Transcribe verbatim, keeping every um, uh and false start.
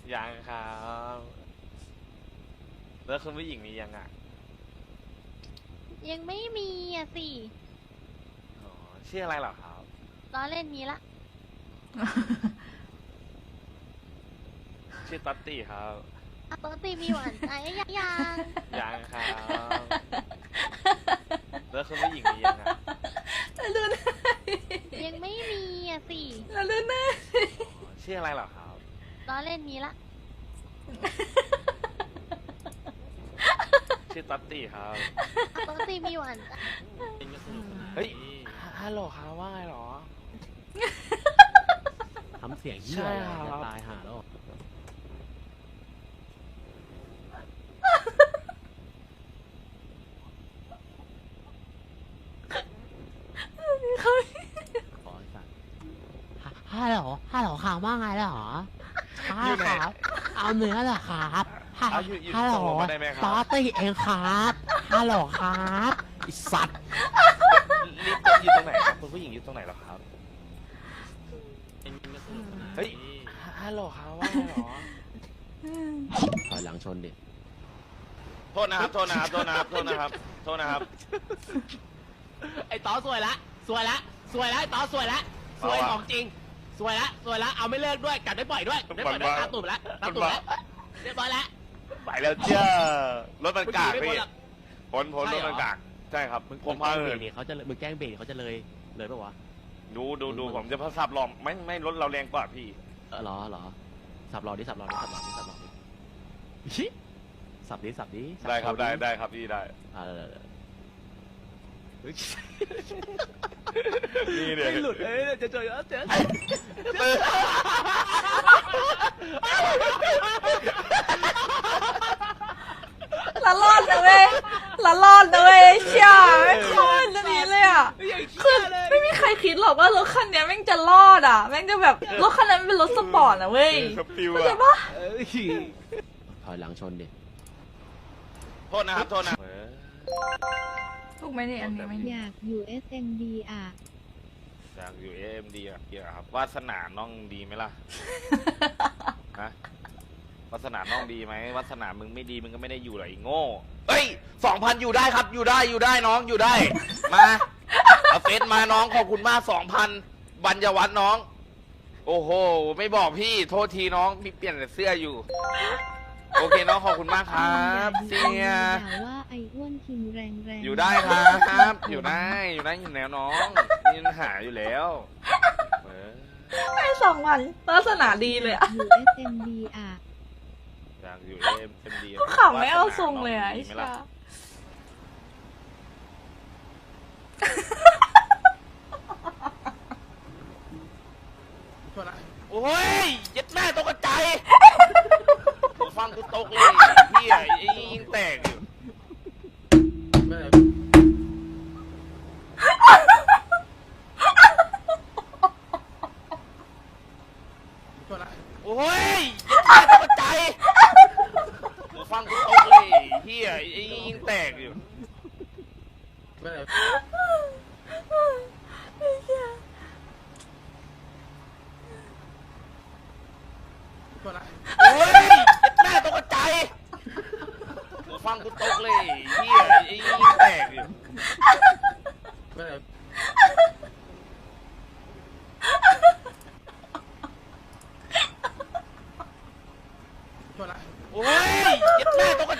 ยังครับแล้วคุณผู้หญิงมียังอ่ะยังไม่มีอ่ะสิอ๋อชื่ออะไรเหรอครับล้อเล่นมีละชื่อตัตตี้ครับปกติมีหวานใจยังยังยังครับแล้วคุณผู้หญิงมียังอ่ะดูหน้ายังไม่มีอ่ะสิแล้วดูหน้าอ๋อชื่ออะไรเหรอครับล้อเล่นมีละชื่อตัตตี้ครับปกติมีหวานใจเฮ้ยฮัลโหลครับว่าไงเหรอทำเสียงเหี้ยจะตายหาแล้วขอสั่งฮัลโหลฮัลโหลข่าวว่าไงเหรอฮัลโหลครับเอาเนื้อเหรอครับฮัลโหลตอตี้เองครับฮัลโหลครับไอสัตว์รีบจะอยู่ตรงไหนครับคุณผู้หญิงอยู่ตรงไหนเหรอครับเฮ้ยฮัลโหลครับว่าไงเหรอถอยหลังชนดิโทษนะครับโทษนะครับโทษนะครับโทษนะครับโทษนะครับไอ้ต๋อสวยละสวยละสวยละไอ้ต๋อสวยละสวยของจริงสวยละสวยละเอาไม่เลิกด้วยกัดไม่ปล่อยด้วยไม่ปล่อยด้วยตาตุ่มละตาตุ่มละเรียบร้อยละไปแล้วเจ้ารถมันกากพี่พ้นพ้นรถมันกากใช่ครับผมพาเหินเขาจะมึงแกล้งเบรกเขาจะเลยเลยปะวะดูดูดูผมจะพับสับหลอมไม่ไม่รถเราแรงกว่าพี่เออหรอหรอสับหลอดิสับหลอดิสับหลอดิสับหลอดิชิสับดิสับดิได้ครับได้ได้ครับพี่ได้อ่านี่เนี่ยไม่หลุดเอ้ยจะเจอเจอละรอดนะเว้ยละรอดนะเว้ยเชี่ยไม่คอนจะนี้เลยอ่ะคือไม่มีใครคิดหรอกว่ารถคันนี้แม่งจะรอดอ่ะแม่งจะแบบรถคันนั้นเป็นรถสปอร์ตนะเว้ยเข้าใจปะถอยหลังชนดิโทษนะครับโทษนะถูกไหมเนี่ยอันนี้ไม่อยากอยู่ เอส เอ็ม ดี อ่ะอยากอยู่ เอ เอ็ม ดี อ่ะเกี่ยวครับวาสนาน้องดีไหมล่ะฮะวาสนาน้องดีไหมวาสนามึงไม่ดีมึงก็ไม่ได้อยู่หรอกไอ้โง่เฮ้ยสองพันอยู่ได้ครับอยู่ได้อยู่ได้น้องอยู่ได้มาเอาเฟซมาน้องขอบคุณมากสองพันบัญญวัฒน์น้องโอ้โหไม่บอกพี่โทษทีน้องมีเปลี่ยนเสื้ออยู่โอเคน้องขอบคุณมากครับเสียว่าไอ้อ้วนคิงแรงแรงอยู่ได้ครับอยู่ได้อยู่ได้อยู่แล้วน้องมีปัญหาอยู่แล้วไอ้สองวันลักษณะดีเลยอ่ะอยู่ เอส เอ็ม ดี อ่ะอยากอยู่ เอ เอ็ม ดีขำไม่เอาทรงเลยอ่ะไอ้ชาโอ้ยยัดแม่ตกกระจายฟังกูตกเลยเฮียไอ้ยิงแตกอยู่โอ้ยยัดแม่ตกกระจายฟังกูตกเลยเฮียไอ้ยิงแตกอยู่โอ้ยยัดแม่ตกกระจายฟังกูตกเลยเฮียไอ้ยิงแตกอยู่โอ้ยยัดแม่ตกกระ